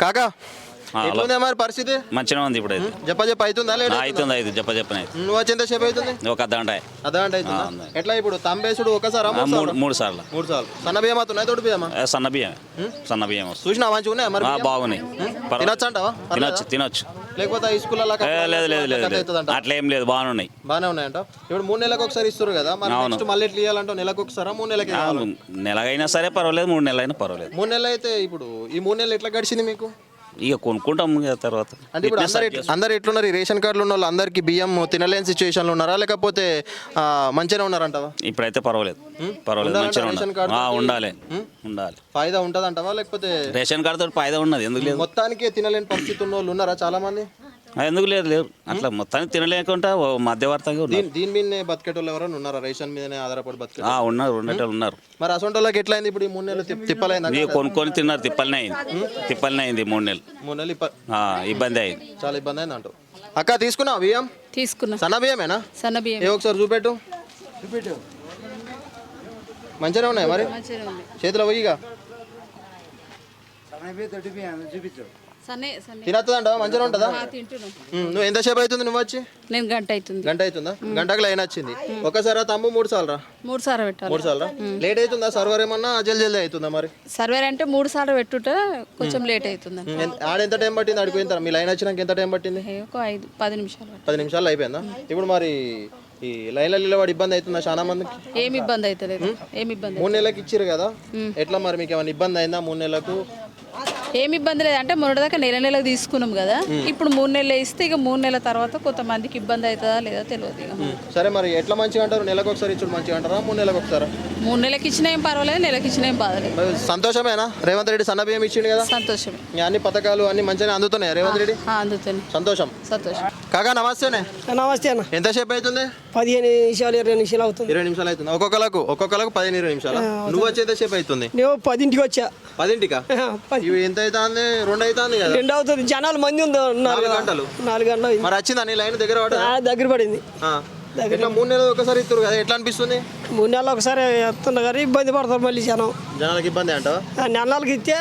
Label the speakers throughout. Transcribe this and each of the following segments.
Speaker 1: కాకా
Speaker 2: హలో
Speaker 1: ఎట్లుంది మరి పరిస్థితి?
Speaker 2: మంచిగా ఉంది ఇప్పుడు అయితే
Speaker 1: చెప్ప అవుతుందా లేదా?
Speaker 2: అవుతుంది అయితే చెప్పని
Speaker 1: నువ్వు వచ్చి ఎంతసేపు అవుతుంది?
Speaker 2: ఒక అర్ధగంట
Speaker 1: అర్ధగంట అవుతుందా? ఎట్లా ఇప్పుడు తంబేసుడు ఒకసారి
Speaker 2: మూడు సార్లు
Speaker 1: 3 సార్లు సన్న బియ్యం అవుతున్నాయి తోడు బియ్యమా?
Speaker 2: సన్న బియ్యం వస్తుంది.
Speaker 1: చూసినా మంచిగా ఉన్నాయా మరి?
Speaker 2: బాగున్నాయి
Speaker 1: తినొచ్చు అంటావా?
Speaker 2: తినొచ్చు
Speaker 1: లేకపోతే ఈ స్కూల్లో
Speaker 2: లేదు అట్లా ఏం లేదు బాగానే
Speaker 1: ఉన్నాయంట. ఇప్పుడు 3 నెలలకు ఒకసారి ఇస్తారు కదా, మరి నెక్స్ట్ మళ్ళీ ఎట్లా ఇవ్వాలంటే నెలకు ఒకసారా 3 నెలలకి?
Speaker 2: నెలగైనా సరే పర్వాలేదు 3 నెలలైనా పర్వాలేదు.
Speaker 1: 3 నెలలు అయితే ఇప్పుడు ఈ 3 నెలలు ఎట్లా గడిచింది మీకు?
Speaker 2: ఇక కొనుక్కుంటాం తర్వాత.
Speaker 1: అంటే ఇప్పుడు అందరు ఎట్లున్నారు? ఈ రేషన్ కార్డులు ఉన్న వాళ్ళు అందరికి బియ్యం తినలేని సిచ్యువేషన్లో ఉన్నారా, లేకపోతే మంచిగానే ఉన్నారంటావా?
Speaker 2: ఇప్పుడైతే పర్వాలేదు మంచిగా ఉండాలి.
Speaker 1: ఫాయిదా ఉంటుంది అంటావా, లేకపోతే
Speaker 2: రేషన్ కార్డు తోటి ఫాయిదా ఉన్నది? ఎందుకు లేదు?
Speaker 1: మొత్తానికి తినలేని పరిస్థితి ఉన్న వాళ్ళు ఉన్నారా చాలా మంది?
Speaker 2: ఎందుకు లేదు అట్లా మొత్తానికి తినలేకుండా మధ్యవర్తంగా
Speaker 1: దీని మీదనే బతికేటోళ్ళు ఎవరైనా ఉన్నారా? రేషన్ మీదనే ఆధారపడి బతికే
Speaker 2: ఉన్నారు.
Speaker 1: మరి అసలు వాళ్ళకి ఎట్లా అయింది ఇప్పుడు ఈ 3 నెలలు? తిప్పలైంది
Speaker 2: కొనుక్కొని తిన్నారు, తిప్పలనే అయింది 3 నెలలు.
Speaker 1: 3 నెలలు
Speaker 2: ఇబ్బంది అయింది,
Speaker 1: చాలా ఇబ్బంది అయింది అంటూ. అక్క తీసుకున్నావు బియ్యం?
Speaker 3: తీసుకున్నా.
Speaker 1: సన్న బియ్యమేనా?
Speaker 3: సన్న బియ్యం.
Speaker 1: ఒకసారి చూపెట్టు. మంచిగానే ఉన్నాయి మరి? చేతిలో పోయిగా తినొస్తుందంటావా? మంచిగా ఉంటుందా? నువ్వు ఎంతసేపు అవుతుంది నువ్వు వచ్చి?
Speaker 3: నేను గంట
Speaker 1: అవుతుందా? గంటకు లైన్ వచ్చింది. ఒకసారి తమ్ము 3 సార్లు
Speaker 3: 3 సార్లు పెట్టాలి.
Speaker 1: 3 సార్లు లేట్ అవుతుందా? సర్వర్ ఏమన్నా జల్దీ అవుతుందా మరి?
Speaker 3: సర్వేర్ అంటే 3 సార్లు పెట్టుట కొంచెం లేట్ అవుతుంది.
Speaker 1: ఆడ ఎంత టైం పట్టింది? ఆడిపోయిన మీ లైన్ వచ్చినాక ఎంత టైం పట్టింది?
Speaker 3: ఒక 5-10 నిమిషాలు.
Speaker 1: 10 నిమిషాలు అయిపోయిందా? ఇప్పుడు మరి ఈ లైన్లో నిలబడి ఇబ్బంది అవుతుందా చాలా మందికి?
Speaker 3: ఏమి ఇబ్బంది అవుతలేదు.
Speaker 1: 3 నెలలకు ఇచ్చారు కదా, ఎట్లా మరి మీకు ఏమైనా ఇబ్బంది అయిందా 3 నెలలకు?
Speaker 3: ఏమి ఇబ్బంది లేదు. అంటే మొన్నటిదాకా నెలకు తీసుకున్నాం కదా, ఇప్పుడు 3 నెలలు ఇస్తే ఇక 3 నెలల తర్వాత కొంతమందికి ఇబ్బంది అవుతుందా లేదా తెలియదు. ఇక
Speaker 1: సరే మరి ఎట్లా మంచిగా అంటారు? నెలకు ఒకసారి ఇచ్చుడు మంచిగా అంటారా, 3 నెలలకు ఒకసారి?
Speaker 3: 3 నెలలకు ఇచ్చినా ఏం పర్వాలేదు, నెలకు ఇచ్చినా ఏం బాధలేదు.
Speaker 1: సంతోషమేనా? రేవంత్ రెడ్డి సన్న బియ్యం ఇచ్చిండు కదా,
Speaker 3: సంతోషమే.
Speaker 1: అన్ని పథకాలు అన్ని మంచిగా అందుతున్నాయి రేవంత్ రెడ్డి?
Speaker 3: అందుతుంది.
Speaker 1: సంతోషం. కాకా నమస్తేనే.
Speaker 4: నమస్తే అన్న.
Speaker 1: ఎంతసేపు అవుతుంది?
Speaker 4: 15 నిమిషాలు 20 నిమిషాలు అవుతుంది.
Speaker 1: 20 నిమిషాలు అవుతుంది. ఒక్కొక్కలకు 15-20 నిమిషాలు. నువ్వు వచ్చి ఎంతసేపు అవుతుంది?
Speaker 4: నేను 10ంటికి వచ్చా.
Speaker 1: 10ంటికా? ఎంత అవుతుంది? 2 అవుతుంది కదా?
Speaker 4: 2 అవుతుంది. జనాలు మంది ఉన్నారు.
Speaker 1: 4 గంటలు.
Speaker 4: 4 గంటలు
Speaker 1: మరి వచ్చిందా నీ లైన్ దగ్గర
Speaker 4: దగ్గర పడింది.
Speaker 1: ఎట్లా 3 నెలలు ఒకసారి ఇస్తారు కదా, ఎట్లా అనిపిస్తుంది?
Speaker 4: 3 నెలలు ఒకసారి వస్తున్నా కానీ ఇబ్బంది పడతారు మళ్ళీ
Speaker 1: జనాలకు ఇబ్బంది అంటావా?
Speaker 4: నెలలకు ఇస్తే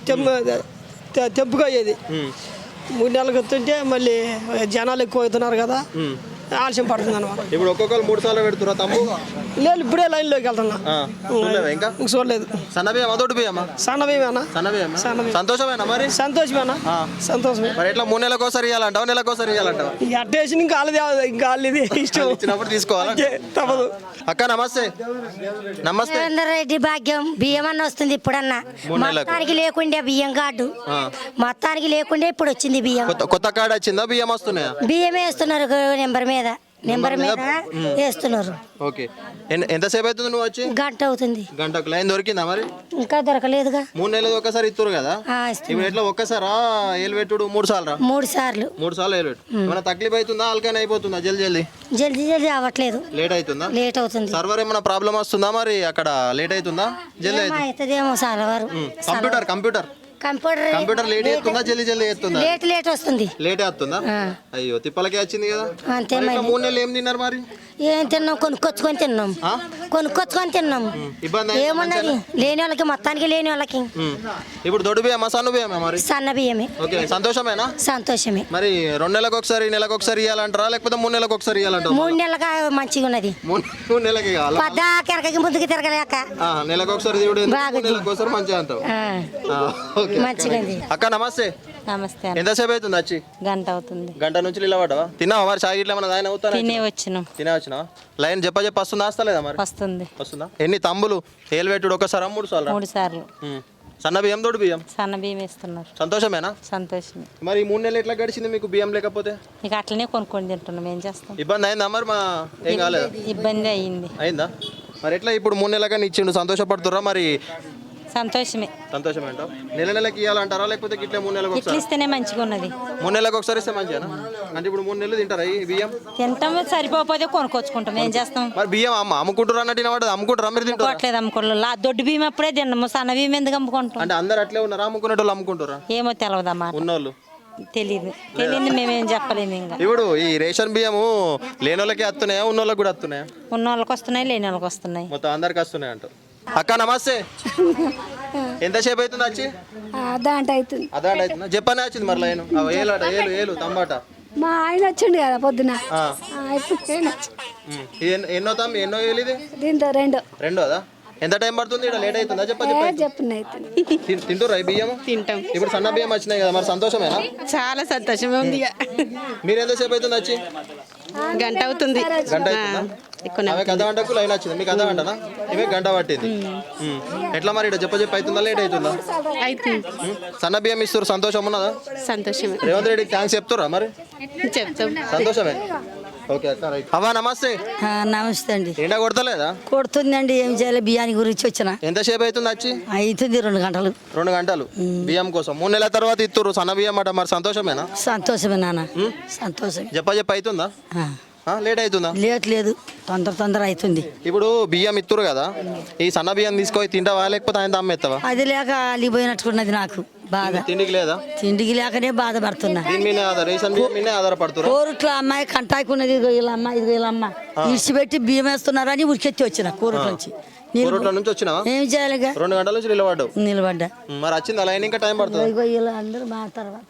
Speaker 4: తెంపుగా అయ్యేది. 3 నెలలకు వస్తుంటే మళ్ళీ జనాలు ఎక్కువ అవుతున్నారు కదా, ఆలస్యం పడుతుంది అనమాట.
Speaker 1: ఇప్పుడు ఒక్కొక్కరు 3 సార్లు పెడుతురా తమ్ము?
Speaker 4: లేదు, ఇప్పుడే లైన్లోకి వెళ్తున్నా.
Speaker 1: ఇంకా
Speaker 4: చూడలేదు.
Speaker 1: సన్న బియ్యం అదొకటి బియ్యమా?
Speaker 4: సన్న బియ్యమేనా?
Speaker 1: సంతోషమేనా మరి?
Speaker 4: సంతోషమే.
Speaker 1: మరి ఎట్లా 3 నెలలకు ఒకసారి ఇవ్వాలంటావా, నెలకు ఒకసారి ఇవ్వాలంటావా?
Speaker 4: అట్టేసి ఇంకా వాళ్ళది ఇష్టం
Speaker 1: ఇచ్చినప్పుడు తీసుకోవాలి, తప్పదు. అక్క నమస్తే.
Speaker 5: రేవంత్ రెడ్డి భాగ్యం బియ్యం అన్న వస్తుంది ఇప్పుడన్నా. మొత్తానికి లేకుండే బియ్యం కార్డు, మొత్తానికి లేకుండే ఇప్పుడు వచ్చింది బియ్యం.
Speaker 1: కొత్త కార్డు వచ్చిందా? బియ్యం వస్తున్నాయా?
Speaker 5: బియ్యమే వేస్తున్నారు నెంబర్ మీద వేస్తున్నారు.
Speaker 1: ఓకే. ఎంతసేపు అవుతుంది నువ్వు వచ్చి?
Speaker 5: గంట అవుతుంది.
Speaker 1: గంటకు లైన్ దొరికిందా మరి?
Speaker 5: ఇంకా దొరకలేదుగా.
Speaker 1: 3 నెలలు ఒకసారి ఇస్తారు కదా, ఇప్పుడు ఎట్లా ఒక్కసారా ఏలు పెట్టుడు? 3 సార్లు
Speaker 5: 3 సార్లు
Speaker 1: 3 సార్లు ఏలు పెట్టు. ఏమైనా తక్లీఫ్ అవుతుందా? ఆల్కైనా అయిపోతుందా?
Speaker 5: జల్దీ అవ్వట్లేదు.
Speaker 1: లేట్ అవుతుందా?
Speaker 5: లేట్ అవుతుంది.
Speaker 1: సర్వర్ ఏమైనా ప్రాబ్లం వస్తుందా మరి? అక్కడ లేట్ అవుతుందా? జల్దీ
Speaker 5: అవుతుందేమో. సర్వర్
Speaker 1: కంప్యూటర్ లేట్ అవుతుందా? జల్దీ అవుతుందా?
Speaker 5: లేట్ వస్తుంది.
Speaker 1: లేట్ అవుతుందా? అయ్యో తిప్పలకే వచ్చింది కదా.
Speaker 5: అంతే.
Speaker 1: 3 నెలలు ఏం తిన్నారు మరి?
Speaker 5: ఏం తిన్నాం? కొనుక్కొచ్చుకొని తిన్నాం. ఏమున్నది లేని వాళ్ళకి, మొత్తానికి లేని వాళ్ళకి.
Speaker 1: ఇప్పుడు దొడ్డు బియ్యమా సన్న బియ్యమా మరి?
Speaker 5: సన్న బియ్యమే.
Speaker 1: ఓకే. సంతోషమేనా?
Speaker 5: సంతోషమే.
Speaker 1: మరి 2 నెలలకు ఒకసారి నెలకు ఒకసారి ఇవ్వాలంటారా, లేకపోతే 3 నెలలకు ఒకసారి ఇవ్వాలంటారా?
Speaker 5: 3 నెలలుగా మంచిగా ఉన్నది.
Speaker 1: 3 నెలలకి కావాలి.
Speaker 5: కెరకకి ముందుకు తిరగలేక
Speaker 1: నెలకు ఒకసారి 3 నెలలకు ఒకసారి మంచిగా అంటావు.
Speaker 5: మంచిగా.
Speaker 1: అక్క నమస్తే.
Speaker 6: నమస్తే.
Speaker 1: ఎంతసేపు అవుతుంది వచ్చి?
Speaker 6: గంట అవుతుంది.
Speaker 1: గంట నుంచి నిలబడ్డావా? తిన్నావా మరి? చాయ్ ఇట్లా ఏమన్నా ఆయన అవుతారా?
Speaker 6: తినే వచ్చినావా?
Speaker 1: లైన్ చెప్ప వస్తుందా? వస్తలేదా మరి? వస్తుందా? ఎన్ని తంబులు ఏలు పెట్టుడు? ఒకసారి 3 సార్లు?
Speaker 6: 3 సార్లు.
Speaker 1: సన్న బియ్యం దొడ్డు బియ్యం?
Speaker 6: సన్న బియ్యం వేస్తున్నారు.
Speaker 1: సంతోషమేనా?
Speaker 6: సంతోషమే.
Speaker 1: మరి 3 నెలలు ఎట్లా గడిచింది మీకు బియ్యం లేకపోతే?
Speaker 6: ఇక అట్లనే కొనుక్కొని తింటున్నాం. ఏం చేస్తాం?
Speaker 1: ఇబ్బంది అయిందా మరి? ఏం కాలేదు.
Speaker 6: ఇబ్బంది అయిందా?
Speaker 1: మరి ఎట్లా ఇప్పుడు 3 నెలలుగా ఇచ్చిండు, సంతోషపడుతుర్రా మరి?
Speaker 6: సంతోషమే
Speaker 1: అంటావు. నెలకి ఇవ్వాలంటారా, లేకపోతే ఇట్లా 3 నెలలకు ఒకసారి
Speaker 6: ఇస్తేనే మంచిగా ఉన్నది?
Speaker 1: 3 నెలలకు ఒకసారి ఇస్తే మంచిగా. అంటే ఇప్పుడు 3 నెలలు తింటారా ఈ బియ్యం?
Speaker 6: తింటాం, సరిపోతే కొనుక్కొచ్చుకుంటాం. ఏం చేస్తాం?
Speaker 1: మరి బియ్యం అమ్ముకుంటారు అన్నట్టు అమ్ముకుంటారా మీరు?
Speaker 6: తింటారు. అమ్ముకోలేదు. దొడ్డు బియ్యం అప్పుడే తిన్నాము, సన్న బియ్యం ఎందుకు అమ్ముకుంటాం?
Speaker 1: అంటే అందరు అట్లే ఉన్నారా? అమ్ముకునేటోళ్ళు అమ్ముకుంటారా?
Speaker 6: ఏమో తెలియదమ్మా.
Speaker 1: ఉన్నోళ్ళు
Speaker 6: తెలియదు. మేమేం చెప్పలేము. ఇంకా
Speaker 1: ఇప్పుడు ఈ రేషన్ బియ్యము లేని వాళ్ళకి వస్తున్నాయా, ఉన్న వాళ్ళకి కూడా వస్తున్నాయా?
Speaker 6: ఉన్న వాళ్ళకి వస్తున్నాయి, లేని వాళ్ళకి వస్తున్నాయి.
Speaker 1: మొత్తం అందరికి వస్తున్నాయి అంటారు. అక్క నమస్తే. ఎంతసేపు అవుతుంది వచ్చి?
Speaker 7: దాంట్ అవుతుంది.
Speaker 1: అదా అవుతుందా? చెప్పనే వచ్చింది మరి లైన్ ఏలాట ఏలు తంబాట.
Speaker 7: మా ఆయన వచ్చిండు కదా పొద్దున.
Speaker 1: ఆ.
Speaker 7: ఇప్పుడు నేను వచ్చి.
Speaker 1: ఎన్నో తమ్మి ఎన్నో ఏలు ఇది?
Speaker 7: దీంతో
Speaker 1: రెండోదా? ఎంత టైం పడుతుంది? ఇక్కడ లేట్ అవుతుందా?
Speaker 7: చెప్పిన అవుతుంది.
Speaker 1: తింటురా ఈ బియ్యం?
Speaker 8: తింటాం.
Speaker 1: ఇప్పుడు సన్న బియ్యం వచ్చినాయి కదా, మరి సంతోషమేనా?
Speaker 8: చాలా సంతోషమే ఉంది.
Speaker 1: మీరు ఎంతసేపు అవుతుంది వచ్చి?
Speaker 8: గంట అవుతుంది.
Speaker 1: గంట అవుతుందా? ఆమె కథ గంటకు లైన్ వచ్చింది, మీకు అర్ధ గంటనా? ఇవే గంట పట్టింది. ఎట్లా మరి ఇక్కడ చెప్ప అవుతుందా లేట్ అవుతుందా?
Speaker 8: అవుతుంది.
Speaker 1: సన్న బియ్యం ఇస్తారు, సంతోషం ఉన్నదా?
Speaker 8: సంతోషమే.
Speaker 1: రేవంత్ రెడ్డికి థ్యాంక్స్ చెప్తురా మరి?
Speaker 8: చెప్తాం.
Speaker 1: సంతోషమే. ఓకే అక్క రైట్. అవ్వా నమస్తే.
Speaker 6: నమస్తే అండి.
Speaker 1: ఎండ కొడతలేదా?
Speaker 6: కొడుతుందండి, ఏం చేయాలి? బియ్యాని గురించి వచ్చిన
Speaker 1: ఎంతసేపు అవుతుంది వచ్చి?
Speaker 6: అవుతుంది 2 గంటలు.
Speaker 1: 2 గంటలు బియ్యం కోసం 3 నెలల తర్వాత ఇస్తురు సన్న బియ్యం అట, మరి సంతోషమేనా?
Speaker 6: సంతోషమే నాన్న, సంతోషమే.
Speaker 1: చెప్ప అవుతుందా? లేట్ అవుతుందా?
Speaker 6: లేదు, తొందర అవుతుంది.
Speaker 1: ఇప్పుడు బియ్యం ఇస్తురు కదా, ఈ సన్న బియ్యం తీసుకొని తింటావా లేకపోతే ఆయన అమ్మేస్తావా?
Speaker 6: అది లేక అలిగిపోయినట్టున్నది నాకు బాధ.
Speaker 1: తిండికి లేదా?
Speaker 6: తిండికి లేకనే బాధపడుతున్నా.
Speaker 1: దీని మీద రేషన్ బియ్యం మీద ఆధారపడుతున్నారు.
Speaker 6: కోరుట్ల అమ్మాయి కంటాకున్నది, ఇదిగో వీళ్ళమ్మ ఇదిగో వీళ్ళమ్మ ఇడిచిపెట్టి బియ్యం వేస్తున్నారని ఉరికెత్తి వచ్చిన కోరుట్ల నుంచి.
Speaker 1: కోరుట్ల నుంచి వచ్చినావా?
Speaker 6: ఏం చేయాలి?
Speaker 1: 2 గంటల నుంచి
Speaker 6: నిలబడ్డా.
Speaker 1: మరి వచ్చింది అలా ఇంకా టైం పడుతుంది.
Speaker 6: ఇదిగో వీళ్ళందరూ మా తర్వాత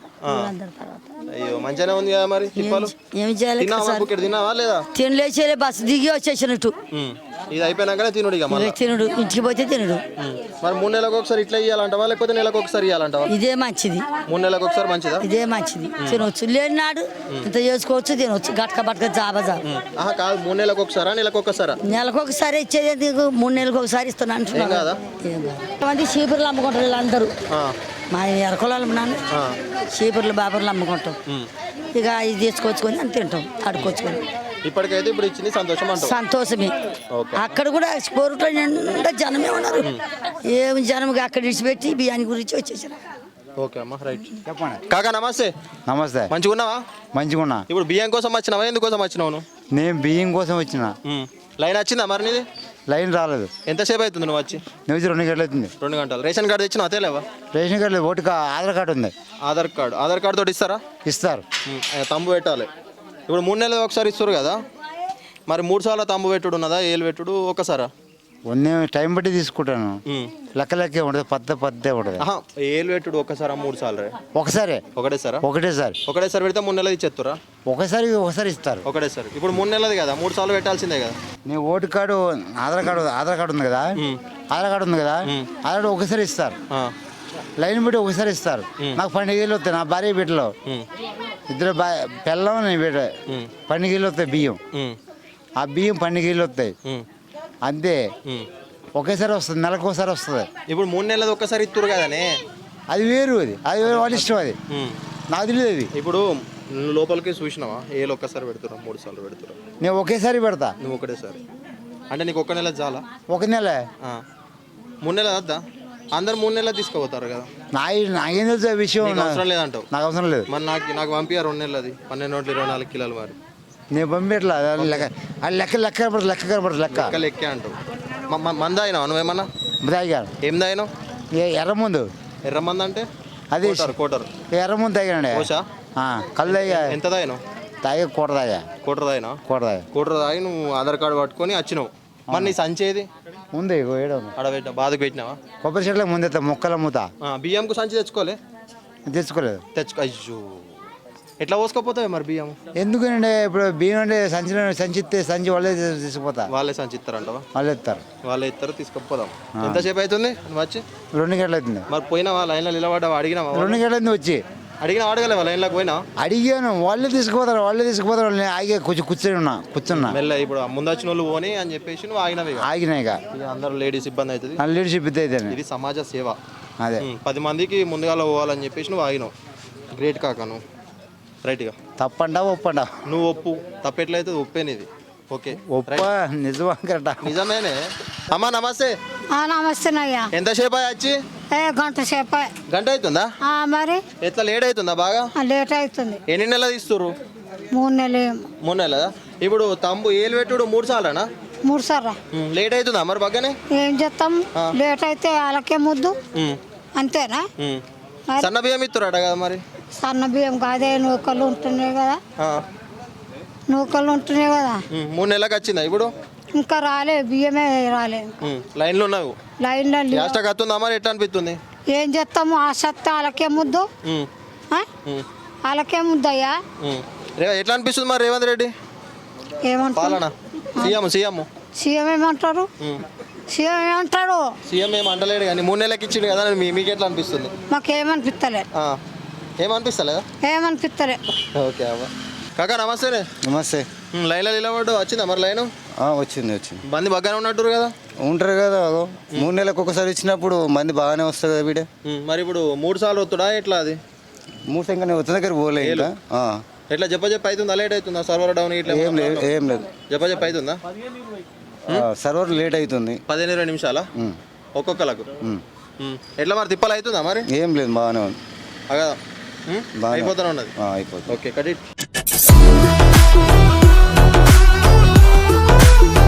Speaker 1: అయ్యో మంచిగానే ఉంది కదా మరి. తిప్పాలు
Speaker 6: ఏం చేయాలి?
Speaker 1: తిన్నావా లేదా?
Speaker 6: తినలేచేలే, బస్సు దిగి వచ్చేసినట్టు.
Speaker 1: ఇది అయిపోయినాకనే తినుడు ఇక మళ్ళీ.
Speaker 6: తినడు, ఇంటికి పోతే తినడు.
Speaker 1: మరి 3 నెలలకు ఒకసారి ఇట్లా ఇవ్వాలంటావా లేకపోతే నెలకు ఒకసారి ఇవ్వాలంటావా?
Speaker 6: ఇదే మంచిది.
Speaker 1: 3 నెలలకు ఒకసారి మంచిదా?
Speaker 6: ఇదే మంచిది. తినవచ్చు, లేని నాడు ఇంత చేసుకోవచ్చు, తినవచ్చు. గట్క బట్క జాబా
Speaker 1: కాదు, 3 నెలలకు ఒకసారా నెలకు ఒకసారా?
Speaker 6: నెలకు ఒకసారి ఇచ్చేది ఎందుకు? 3 నెలలకు ఒకసారి ఇస్తున్నాను. మంది చీపుర్లు అమ్ముకుంటారు వీళ్ళందరూ. మా ఎరకొలాలు నాన్న చీపుర్లు బాబర్లు అమ్ముకుంటాం. ఇక ఇది తీసుకొచ్చుకొని అని తింటాం, అడుకొచ్చుకొని.
Speaker 1: ఇప్పటికైతే ఇప్పుడు ఇచ్చింది సంతోషం అంటావు?
Speaker 6: సంతోషమే. అక్కడ కూడా కోరుట్లో నిండా జనమే ఉన్నారు. ఏమి జనం అక్కడ విడిచిపెట్టి బియ్యాన్ని గురించి వచ్చేసారు.
Speaker 1: ఓకే అమ్మా రైట్. చెప్పండి కాకా నమస్తే.
Speaker 9: నమస్తే.
Speaker 1: మంచిగా ఉన్నావా?
Speaker 9: మంచిగా ఉన్నా.
Speaker 1: ఇప్పుడు బియ్యం కోసం వచ్చినావా ఎందుకోసం వచ్చినావు?
Speaker 9: నేను బియ్యం కోసం వచ్చిన.
Speaker 1: లైన్ వచ్చిందా మరి నీది?
Speaker 9: లైన్ రాలేదు.
Speaker 1: ఎంతసేపు అవుతుంది నువ్వు వచ్చి?
Speaker 9: నువ్వు 2 గంటలు అవుతుంది.
Speaker 1: 2 గంటలు. రేషన్ కార్డు తెచ్చినా అతేలేవా?
Speaker 9: రేషన్ కార్డు లేదు, ఆధార్ కార్డు ఉంది.
Speaker 1: ఆధార్ కార్డు తోటి ఇస్తారా?
Speaker 9: ఇస్తారు.
Speaker 1: తంబు పెట్టాలి. ఇప్పుడు 3 నెలలు ఒకసారి ఇస్తారు కదా, మరి 3 సార్లు తంబు పెట్టుడు ఉన్నదా ఏలు పెట్టుడు ఒకసారా?
Speaker 9: నేను టైం బట్టి తీసుకుంటాను. లెక్కే ఉండదు, పద్దే ఉండదు.
Speaker 1: ఏలు పెట్టుడు ఒకసారి 3 సార్లు?
Speaker 9: ఒకసారి.
Speaker 1: ఒకటేసారి పెడితే 3 నెలలు ఇచ్చేస్తారా?
Speaker 9: ఒకసారి ఇస్తారు.
Speaker 1: ఒకటేసారి. ఇప్పుడు 3 నెలది కదా, 3 సార్లు పెట్టాల్సిందే కదా.
Speaker 9: నీ ఓటు కార్డు ఆధార్ కార్డు ఉంది కదా, ఆధార్ కార్డు ఒకసారి ఇస్తారు. లైన్ బట్టి ఒకసారి ఇస్తారు. నాకు 12 ఏళ్ళు వస్తాయి. నా భార్య బిడ్డలో 2 పిల్లం, నేను బిడ్డ 12 ఏళ్ళు వస్తాయి బియ్యం. ఆ బియ్యం 12 ఏళ్ళు వస్తాయి అంతే. ఒకేసారి వస్తుంది, నెలకు ఒకసారి వస్తుంది.
Speaker 1: ఇప్పుడు 3 నెలలు ఒక్కసారి ఇస్తారు కదనే,
Speaker 9: అది వేరు. అది వేరు, వాళ్ళ ఇష్టం. అది నాకు తెలియదు. అది
Speaker 1: ఇప్పుడు లోపలికి చూసినావా ఏళ్ళు ఒక్కసారి పెడుతున్నా 3 సార్లు పెడుతున్నా?
Speaker 9: నేను ఒకేసారి పెడతా.
Speaker 1: నువ్వు ఒకటేసారి అంటే నీకు 1 నెల చాలా?
Speaker 9: 1 నెల
Speaker 1: 3 నెలలు వద్దా? అందరు 3 నెలలు తీసుకుపోతారు కదా.
Speaker 9: నాకేం తెలుసు ఆ విషయం?
Speaker 1: అవసరం లేదంటావు?
Speaker 9: నాకు అవసరం లేదు.
Speaker 1: మరి నాకు పంపించారు 2 నెలలది 1224 కిలోలు. మరి
Speaker 9: నేను పంపించట్లా. లెక్క
Speaker 1: లెక్కే అంటావు. మంద అయినావు నువ్వేమన్నా?
Speaker 9: తాగాను.
Speaker 1: ఏం తాగినావు?
Speaker 9: ఎర్రముందు.
Speaker 1: ఎర్రమంది అంటే
Speaker 9: అది
Speaker 1: కోటర్.
Speaker 9: ఎర్రముందు తాగానండి. కళ్ళు తాగా.
Speaker 1: ఎంత తాగినావు?
Speaker 9: కోట తాగా.
Speaker 1: కోటర్ తాగి నువ్వు ఆధార్ కార్డు పట్టుకొని వచ్చినావు. మరి నీ సంచేది
Speaker 9: ఉంది
Speaker 1: అడబెట్టినా? బాధకు పెట్టినావా?
Speaker 9: కొబ్బరి చెట్లకు ముందు మొక్కలు అమ్ముతా.
Speaker 1: బియ్యంకు సంచి
Speaker 9: తెచ్చుకోలేదు.
Speaker 1: అయ్యో ఎట్లా పోసుకోపోతావు మరి బియ్యం?
Speaker 9: ఎందుకంటే ఇప్పుడు బియ్యం అంటే సంచిస్తే సంచి వాళ్ళే తీసుకుపోతా.
Speaker 1: వాళ్ళే సంచి ఇస్తారంటవా? వాళ్ళే ఇస్తారు తీసుకుపోదాం. ఎంతసేపు అవుతుంది నువ్వు వచ్చి?
Speaker 9: 2 గంటలు అవుతుంది.
Speaker 1: మరి పోయినావా లైన్లో నిలబడ్డావా? అడిగినావా?
Speaker 9: 2 గంటలు అవుతుంది వచ్చి.
Speaker 1: అడగలేవా లైన్లోకి పోయినా?
Speaker 9: అడిగాను, వాళ్ళే తీసుకుపోతారు. ఆగే కూర్చున్నా
Speaker 1: మెల్ల. ఇప్పుడు ముందు వచ్చిన వాళ్ళు పోనీ అని చెప్పేసి నువ్వు
Speaker 9: ఆగినాయిగా.
Speaker 1: అందరూ లేడీస్ ఇబ్బంది అవుతుంది.
Speaker 9: లీడర్షిప్
Speaker 1: ఇది సమాజ సేవ.
Speaker 9: అదే
Speaker 1: 10 మందికి ముందుగా పోవాలని చెప్పేసి నువ్వు ఆగినావు. గ్రేట్ కాక నువ్వు. రైట్గా
Speaker 9: తప్పండా ఒప్పండా?
Speaker 1: నువ్వు ఒప్పు. తప్పెట్లయితే ఒప్పేనిది. ఓకే
Speaker 9: నిజమా? కరెక్టా?
Speaker 1: నిజమేనే. అమ్మా నమస్తే.
Speaker 7: నమస్తేనయ్యా.
Speaker 1: ఎంతసేపు వచ్చి?
Speaker 7: గంట సేపు.
Speaker 1: గంట అవుతుందా?
Speaker 7: మరి
Speaker 1: ఎట్లా లేట్ అవుతుందా? బాగా
Speaker 7: లేట్ అవుతుంది.
Speaker 1: ఎన్ని నెలలు తీస్తుర్రు?
Speaker 7: 3 నెలలు.
Speaker 1: 3 నెలలా? ఇప్పుడు తంబు ఏలు పెట్టుడు 3 సార్లనా?
Speaker 7: 3 సార్లు.
Speaker 1: లేట్ అవుతుందా మరి బాగానే?
Speaker 7: ఏం చేస్తాం, లేట్ అయితే వాళ్ళకే ముద్దు అంతేనా?
Speaker 1: సన్న బియ్యం ఇస్తురాట కదా మరి?
Speaker 7: సన్న బియ్యం కాదే, నూకలు ఉంటున్నాయి కదా.
Speaker 1: 3 నెలలకు వచ్చిందా ఇప్పుడు?
Speaker 7: ఇంకా రాలే బియ్యమే రాలే
Speaker 1: లైన్లో ఉన్నావు
Speaker 7: లైన్లో
Speaker 1: గ్యాస్ స్టక్ వస్తుందా మరి ఎట్లా అనిపిస్తుంది
Speaker 7: ఏం చేస్తాము ఆ సత్తా వాళ్ళకే ముద్దు ఆ? వాళ్ళకే ముద్దయ్యా
Speaker 1: ఎట్లా అనిపిస్తుంది మరి రేవంత్ రెడ్డి
Speaker 7: ఏమంటారు
Speaker 1: పాలన సీఎం
Speaker 7: సీఎం ఏమంటారు సీఎం ఏమంటారు
Speaker 1: సీఎం ఏం అంటలేడు కానీ 3 నెలలకి ఇచ్చిండు కదా మీకు ఎట్లా అనిపిస్తుంది
Speaker 7: మాకేమనిపిస్తలే
Speaker 1: ఏమనిపిస్తలేదా
Speaker 7: ఏమనిపిస్తలే
Speaker 1: ఓకే అవ్వ కాకా నమస్తేనే
Speaker 9: నమస్తే
Speaker 1: లైన్లో నిలబడ్డు వచ్చిందా మరి లైన్
Speaker 9: వచ్చింది
Speaker 1: బంది బాగానే ఉన్నట్టు కదా
Speaker 9: ఉంటారు కదా 3 నెలలకు ఒకసారి ఇచ్చినప్పుడు మంది బాగానే వస్తుంది కదా వీడే
Speaker 1: మరి ఇప్పుడు 3 సార్లు వస్తుడా ఎట్లా అది
Speaker 9: 3 సంఖ్య వచ్చిన దగ్గర పోలే ఇంకా
Speaker 1: ఎట్లా చెప్ప అవుతుందా లేట్ అవుతుందా సర్వర్ డౌన్ ఇట్లా
Speaker 9: ఏం లేదు
Speaker 1: చెప్ప అవుతుందా
Speaker 9: సర్వర్ లేట్ అవుతుంది
Speaker 1: 15-20 నిమిషాలా ఒక్కొక్కలకు ఎట్లా మరి తిప్పలు అవుతుందా మరి
Speaker 9: ఏం లేదు బాగానే ఉంది
Speaker 1: అయిపోతానే ఉన్నది
Speaker 9: అయిపోతుంది
Speaker 1: ఓకే కట్